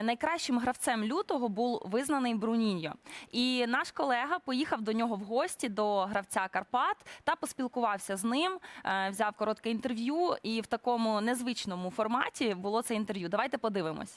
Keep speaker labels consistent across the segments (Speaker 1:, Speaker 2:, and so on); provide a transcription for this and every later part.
Speaker 1: Найкращим гравцем лютого був визнаний Бруніньо. І наш колега поїхав до нього в гості, до гравця Карпат, та поспілкувався з ним, взяв коротке інтерв'ю, і в такому незвичному форматі було це інтерв'ю. Давайте подивимось.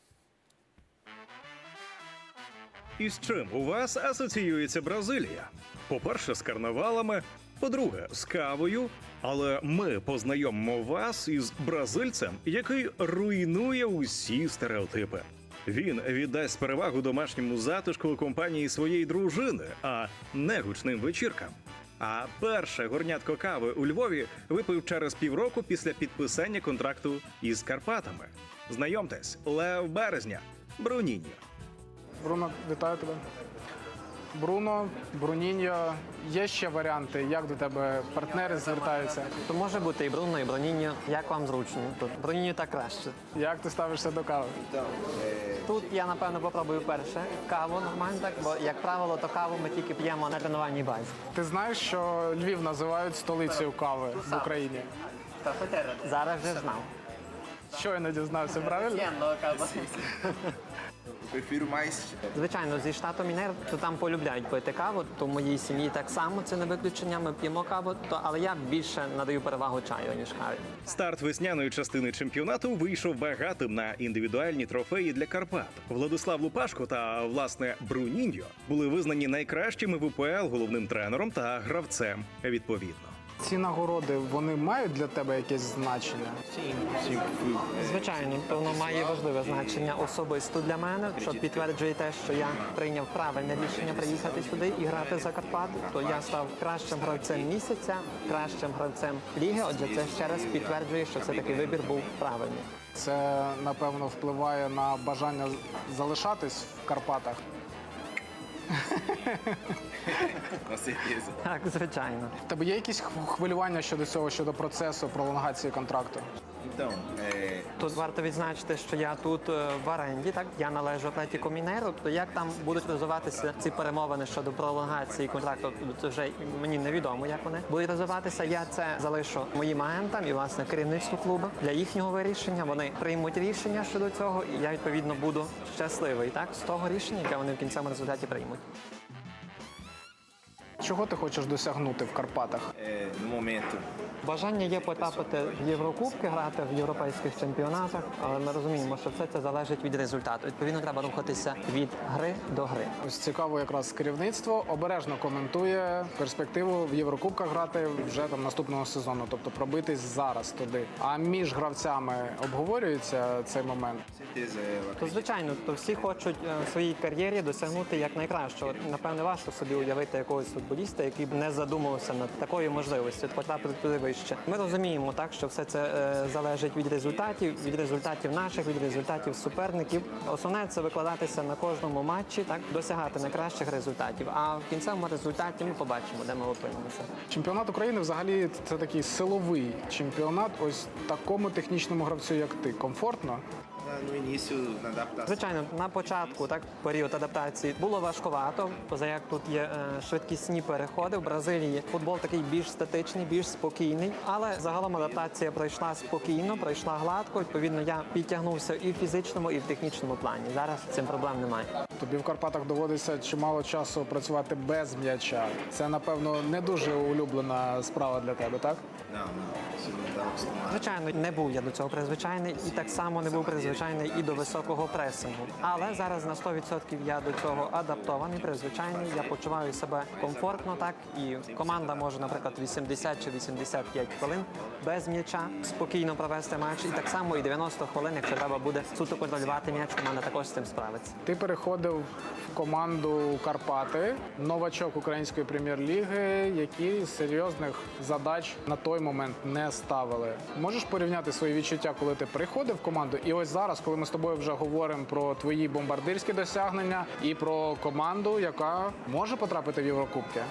Speaker 2: І з чим у вас асоціюється Бразилія? По-перше, з карнавалами, по-друге, з кавою. Але ми познайомимо вас із бразильцем, який руйнує усі стереотипи. Він віддасть перевагу домашньому затишку у компанії своєї дружини, а не гучним вечіркам. А перше горнятко кави у Львові випив через півроку після підписання контракту із Карпатами. Знайомтесь, Лев Березня, Бруніньо.
Speaker 3: Бруно, вітаю тебе. Бруно, Бруніньо. Є ще варіанти, як до тебе партнери звертаються?
Speaker 4: То може бути і Бруно, і Бруніньо. Як вам зручно? Тут Бруніньо так краще.
Speaker 3: Як ти ставишся до кави?
Speaker 4: Тут я, напевно, попробую перше каву нормально, так, бо, як правило, то каву ми тільки п'ємо на тренувальній базі.
Speaker 3: Ти знаєш, що Львів називають столицею кави в Україні?
Speaker 4: Зараз вже знав.
Speaker 3: Щойно дізнався, правильно?
Speaker 5: Prefiro mais.
Speaker 4: Звичайно, зі штату Мінер, то там полюбляють пити каву, то в моїй сім'ї так само, це не виключення, ми п'ємо каву, але я більше надаю перевагу чаю, ніж каві.
Speaker 2: Старт весняної частини чемпіонату вийшов багатим на індивідуальні трофеї для Карпат. Владислав Лупашко та, власне, Бруніньо були визнані найкращими в УПЛ головним тренером та гравцем відповідно.
Speaker 3: Ці нагороди, вони мають для тебе якесь значення?
Speaker 4: Звичайно, то воно має важливе значення особисто для мене, що підтверджує те, що я прийняв правильне рішення приїхати сюди і грати за Карпати. То я став кращим гравцем місяця, кращим гравцем ліги. Отже, це ще раз підтверджує, що все таки вибір був правильний.
Speaker 3: Це, напевно, впливає на бажання залишатись в Карпатах?
Speaker 5: Com certeza.
Speaker 4: Так, звичайно.
Speaker 3: В тебе є якісь хвилювання щодо цього, щодо процесу пролонгації контракту?
Speaker 5: Então,
Speaker 4: Тут варто відзначити, що я тут в оренді, так я належу Атлетіко Мінеру. То як там будуть розвиватися ці перемовини щодо пролонгації контракту, то вже мені невідомо, як вони будуть розвиватися. Я це залишу моїм агентам і власне керівництву клубу для їхнього вирішення. Вони приймуть рішення щодо цього, і я відповідно буду щасливий так з того рішення, яке вони в кінцевому результаті приймуть.
Speaker 3: Чого ти хочеш досягнути в Карпатах?
Speaker 5: no momento,
Speaker 4: Бажання є потрапити в Єврокубки, грати в європейських чемпіонатах, але ми розуміємо, що все це залежить від результату. Відповідно, треба рухатися від гри до гри.
Speaker 3: Ось цікаво, якраз керівництво обережно коментує перспективу в Єврокубках грати вже там наступного сезону, тобто пробитись зараз туди. А між гравцями обговорюється цей момент.
Speaker 5: com certeza. Eu
Speaker 4: То звичайно, то всі хочуть в своїй кар'єрі досягнути якнайкращого. Напевне, важко собі уявити якогось футболіста, який б не задумувався над такою можливістю потрапити туди вище. Ми розуміємо, так що все це залежить від результатів наших, від результатів суперників. Основне це викладатися на кожному матчі, так досягати найкращих результатів. А в кінцевому результаті ми побачимо, де ми опинимося.
Speaker 3: Чемпіонат України взагалі це такий силовий чемпіонат. Ось такому технічному гравцю, як ти, комфортно?
Speaker 5: no início, na adaptação.
Speaker 4: Звичайно, на початку, так, період адаптації було важкувато, поза як тут є швидкісні переходи. В Бразилії футбол такий більш статичний, більш спокійний, але загалом адаптація пройшла спокійно, пройшла гладко. Відповідно, я підтягнувся і в фізичному, і в технічному плані. Зараз з цим проблем немає.
Speaker 3: Тобі в Карпатах доводиться чимало часу працювати без м'яча. Це, напевно, не дуже улюблена справа для тебе, так?
Speaker 5: Não, isso não estava acostumado.
Speaker 4: Звичайно, не був я до цього призвичайний, і так само не був призвичайний і до високого пресингу. Але зараз на 100% я до цього адаптований, призвичайний. Я почуваю себе комфортно, так, і команда може, наприклад, 80 чи 85 хвилин без м'яча спокійно провести матч. І так само і 90 хвилин, якщо треба буде суто контролювати м'яч, команда також з цим справиться.
Speaker 3: Ти переходив в команду Карпати, новачок української прем'єр-ліги, які серйозних задач на той момент не ставили. Можеш порівняти свої відчуття, коли ти приходив в команду, і ось зараз, коли ми з тобою вже говоримо про твої бомбардирські досягнення і про команду, яка може потрапити в Єврокубки?
Speaker 5: Essa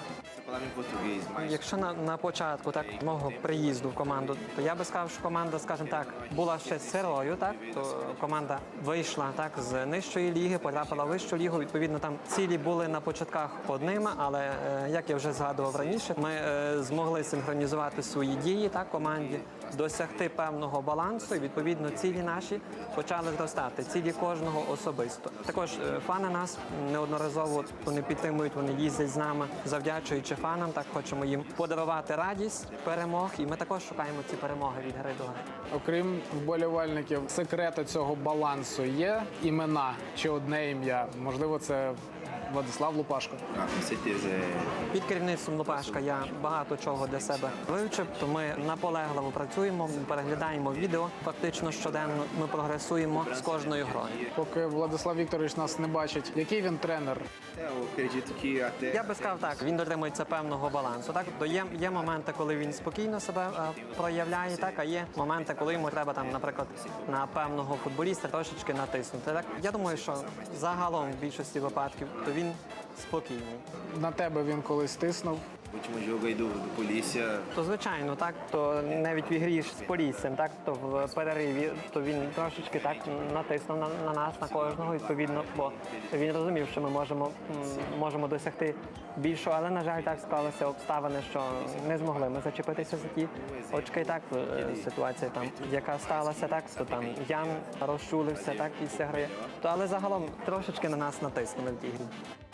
Speaker 5: Falando em português, mas
Speaker 4: Якщо на початку так мого приїзду в команду, то я би сказав, що команда, скажімо так, була ще сирою, так то команда вийшла так з нижчої ліги, потрапила в вищу лігу. Відповідно, там цілі були на початках одними, але як я вже згадував раніше, ми змогли синхронізувати свої дії так команді, досягти певного балансу, і відповідно цілі наші почали зростати. Цілі кожного особисто. Також фани нас неодноразово вони підтримують, вони їздять з нами, завдячуючи фанам. Так хочемо їм подарувати радість перемог, і ми також шукаємо ці перемоги від гри до гри.
Speaker 3: Окрім вболівальників, секрету цього балансу є імена чи одне ім'я? Можливо, це Владислав Лупашко.
Speaker 5: com certeza
Speaker 4: Під керівництвом Лупашка я багато чого для себе вивчив, то ми наполегливо працюємо, переглядаємо відео. Фактично щоденно ми прогресуємо з кожною грою.
Speaker 3: Поки Владислав Вікторович нас не бачить, який він тренер?
Speaker 5: eu acredito que até
Speaker 4: Я би сказав так, він дотримується певного балансу. Так, то є моменти, коли він спокійно себе проявляє, так, а є моменти, коли йому треба там, наприклад, на певного футболіста трошечки натиснути. Так, я думаю, що загалом в більшості випадків то він спокійний.
Speaker 3: На тебе він колись тиснув.
Speaker 5: o último jogo aí do Polícia,
Speaker 4: То звичайно, так то навіть в ігрі ж з Поліссям, так то в перериві, то він трошечки так натиснув на нас, на кожного відповідно, бо він розумів, що ми можемо досягти більшого, але на жаль, так склалися обставини, що не змогли ми зачепитися за ті очки. Так ситуація там, яка сталася, так то там Ян розчулився так після гри. То але загалом трошечки на нас натиснули в тій грі.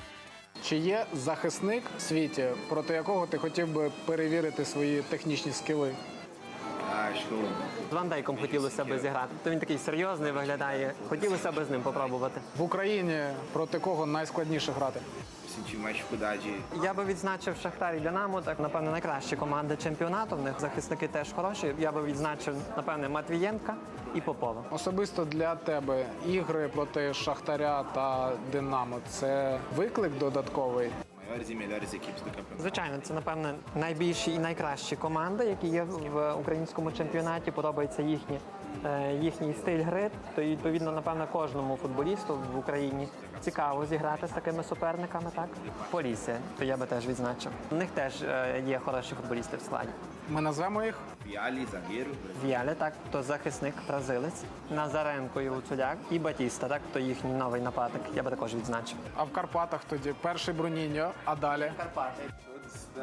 Speaker 3: Чи є захисник в світі, проти якого ти хотів би перевірити свої технічні скіли?
Speaker 5: acho que eu
Speaker 4: З Ван Дейком хотілося б зіграти. То він такий серйозний виглядає. Хотілося б з ним попробувати.
Speaker 3: В Україні проти кого найскладніше грати?
Speaker 5: senti mais dificuldade.
Speaker 4: Я би відзначив Шахтар і Динамо, так напевне найкращі команди чемпіонату. В них захисники теж хороші. Я би відзначив напевне Матвієнка і Попова.
Speaker 3: Особисто для тебе ігри проти Шахтаря та Динамо – це виклик додатковий?
Speaker 5: Maiores e melhores equipes do campeonato.
Speaker 4: Звичайно, це напевне найбільші і найкращі команди, які є в українському чемпіонаті. Подобається їхній стиль гри. То і, відповідно, напевно, кожному футболісту в Україні цікаво зіграти з такими суперниками. Так, Полісся, то я би теж відзначив. У них теж є хороші футболісти в складі.
Speaker 3: Ми назвемо їх?
Speaker 5: Viali, zagueiro,
Speaker 4: Віаля, так, то захисник, бразилець, Назаренко і Луцуляк, і Батіста, так, то їхній новий нападник. Я би також відзначив.
Speaker 3: А в Карпатах тоді перший Бруніньо, а далі?
Speaker 5: todos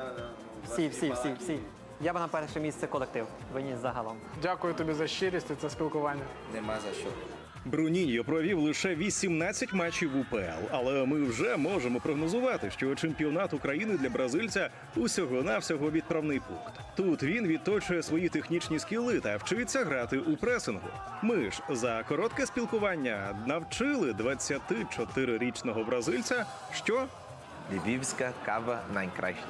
Speaker 4: Всі. Я би на перше місце колектив виніс загалом.
Speaker 3: Дякую тобі за щирість і це спілкування.
Speaker 5: demais achou.
Speaker 2: Бруніньо провів лише 18 матчів УПЛ, але ми вже можемо прогнозувати, що чемпіонат України для бразильця усього-навсього відправний пункт. Тут він відточує свої технічні скіли та вчиться грати у пресингу. Ми ж за коротке спілкування навчили 24-річного бразильця, що
Speaker 5: Lewicka, Cava, Najkrajšta.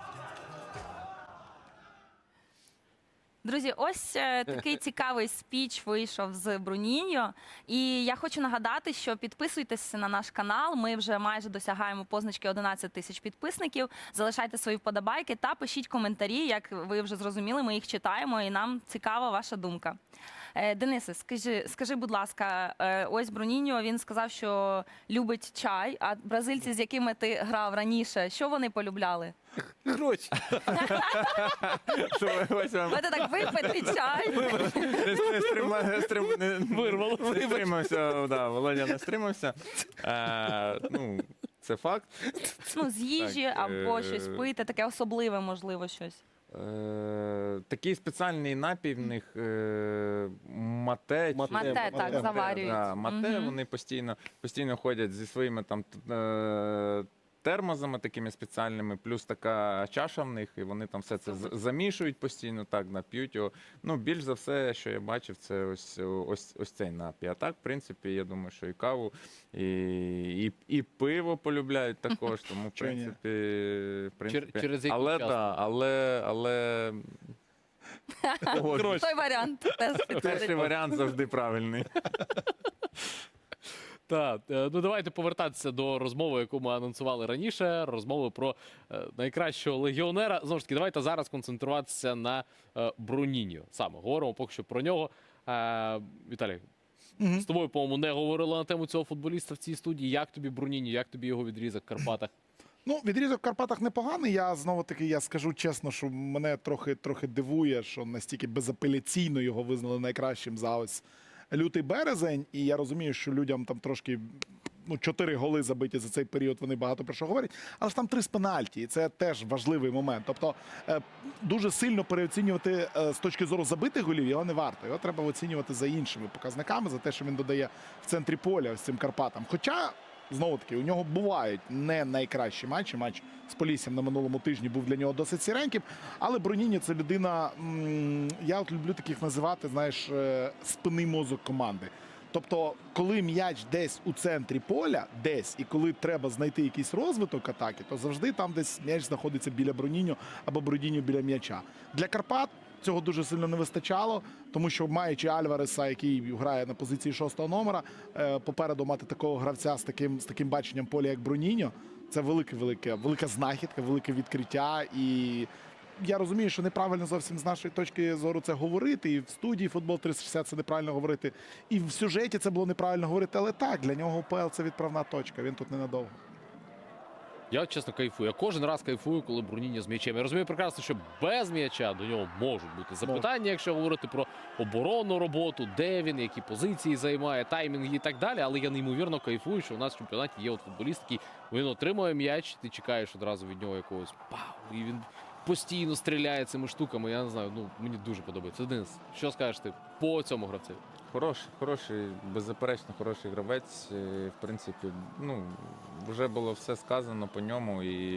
Speaker 1: Друзі, ось такий цікавий спіч вийшов з Бруніньо. І я хочу нагадати, що підписуйтесь на наш канал. Ми вже майже досягаємо позначки 11 тисяч підписників. Залишайте свої вподобайки та пишіть коментарі. Як ви вже зрозуміли, ми їх читаємо і нам цікава ваша думка. Денисе, скажи, будь ласка, ось Бруніньо, він сказав, що любить чай, а бразильці, з якими ти грав раніше, що вони полюбляли?
Speaker 6: Гроші.
Speaker 1: Будете так випити чай?
Speaker 6: Вирвало. Не стримався, да, Володя не стримався. Ну, це факт.
Speaker 1: Ну, з їжі
Speaker 6: Так,
Speaker 1: або щось пити, таке особливе, можливо, щось.
Speaker 6: Такий спеціальний напій в них мате.
Speaker 1: Мате, так, заварюють.
Speaker 6: Да, мате,
Speaker 1: Мгм.
Speaker 6: вони постійно ходять зі своїми там термозами такими спеціальними, плюс така чаша в них, і вони там все це замішують постійно, так, нап'ють його. Ну, більш за все, що я бачив, це ось цей напій. А так, в принципі, я думаю, що і каву, і пиво полюбляють також, тому, в
Speaker 7: Чого ні?
Speaker 6: принципі,
Speaker 7: Через який
Speaker 6: але,
Speaker 7: час?
Speaker 6: да, але погоджуюсь.
Speaker 1: Той варіант теж
Speaker 6: Перший
Speaker 1: підходить.
Speaker 6: варіант завжди правильний.
Speaker 7: Так, ну давайте повертатися до розмови, яку ми анонсували раніше. Розмови про найкращого легіонера. Знову ж таки, давайте зараз концентруватися на Бруніньо. Саме говоримо поки що про нього. Віталій, з тобою, по-моєму, не говорили на тему цього футболіста в цій студії. Як тобі Бруніньо, як тобі його відрізок в Карпатах?
Speaker 8: Ну, відрізок в Карпатах непоганий. Я знову-таки я скажу чесно, що мене трохи дивує, що настільки безапеляційно його визнали найкращим за ось лютий березень. І я розумію, що людям там трошки 4 голи забиті за цей період, вони багато про що говорять. Але ж там 3 з пенальті, і це теж важливий момент. Тобто дуже сильно переоцінювати з точки зору забитих голів його не варто. Його треба оцінювати за іншими показниками, за те, що він додає в центрі поля ось цим Карпатам. Хоча, знову-таки, у нього бувають не найкращі матчі. Матч з Поліссям на минулому тижні був для нього досить сіреньким. Але Бруніньо – це людина, я от люблю таких називати, знаєш, спинний мозок команди. Тобто, коли м'яч десь у центрі поля, і коли треба знайти якийсь розвиток атаки, то завжди там десь м'яч знаходиться біля Бруніньо або Бруніньо біля м'яча. Для Карпат цього дуже сильно не вистачало, тому що маючи Альвареса, який грає на позиції 6-го номера, попереду мати такого гравця з таким баченням поля, як Бруніньо, це велика знахідка, велике відкриття. І я розумію, що неправильно зовсім з нашої точки зору це говорити, і в студії «Футбол 360» це неправильно говорити, і в сюжеті це було неправильно говорити, але так, для нього УПЛ це відправна точка, він тут ненадовго.
Speaker 7: Я чесно кайфую. Я кожен раз кайфую, коли Бруніньо з м'ячем. Я розумію прекрасно, що без м'яча до нього можуть бути запитання, якщо говорити про оборонну роботу, де він, які позиції займає, таймінги і так далі. Але я неймовірно кайфую, що у нас в чемпіонаті є от футболіст, який він отримує м'яч, ти чекаєш одразу від нього якогось пау, і він постійно стріляє цими штуками. Я не знаю, мені дуже подобається. Денис, що скажеш ти по цьому гравцю?
Speaker 6: Хороший, беззаперечно хороший гравець. В принципі, вже було все сказано по ньому, і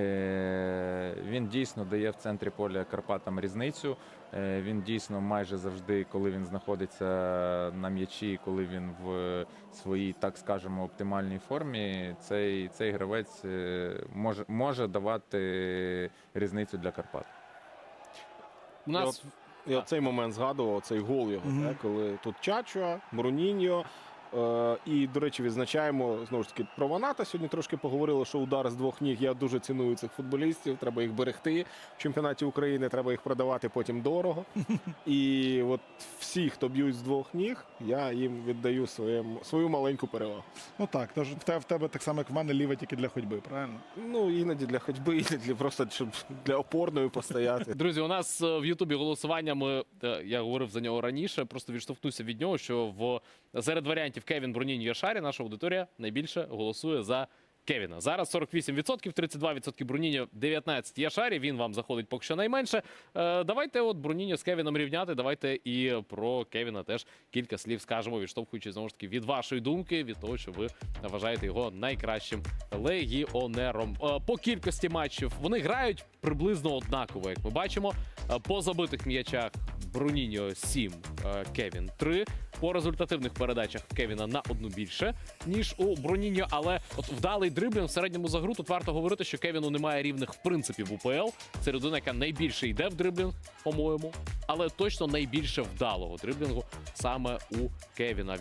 Speaker 6: він дійсно дає в центрі поля Карпатам різницю. Він дійсно майже завжди, коли він знаходиться на м'ячі, коли він в своїй, так скажемо, оптимальній формі, цей гравець може давати різницю для Карпат.
Speaker 7: У нас
Speaker 9: Я цей момент згадував, цей гол його, коли тут Чачуа, Бруніньо. І, до речі, відзначаємо, знову ж таки, про Ваната. Сьогодні трошки поговорили, що удар з 2 ніг. Я дуже ціную цих футболістів, треба їх берегти. В чемпіонаті України треба їх продавати потім дорого. І от всі, хто б'ють з 2 ніг, я їм віддаю свою маленьку перевагу.
Speaker 8: Ну так, тож в тебе так само, як в мене, ліва тільки для ходьби, правильно?
Speaker 9: Іноді для ходьби, іноді просто, щоб для опорної постояти.
Speaker 7: Друзі, у нас в Ютубі голосування, я говорив за нього раніше, просто відштовхнуся від нього, що серед варіантів Кевін, Бруніньо, Яшарі наша аудиторія найбільше голосує за Кевіна. Зараз 48%, 32% Бруніньо, 19% Яшарі. Він вам заходить поки що найменше. Давайте от Бруніньо з Кевіном рівняти. Давайте і про Кевіна теж кілька слів скажемо, відштовхуючись, знову ж таки, від вашої думки, від того, що ви вважаєте його найкращим легіонером. По кількості матчів вони грають приблизно однаково, як ми бачимо. По забитих м'ячах Бруніньо 7, Кевін 3. По результативних передачах Кевіна на 1 більше, ніж у Бруніньо. Але от вдалий дриблінг в середньому за гру, тут варто говорити, що Кевіну немає рівних в принципі в УПЛ. Це людина, яка найбільше йде в дриблінг, по-моєму, але точно найбільше вдалого дриблінгу саме у Кевіна.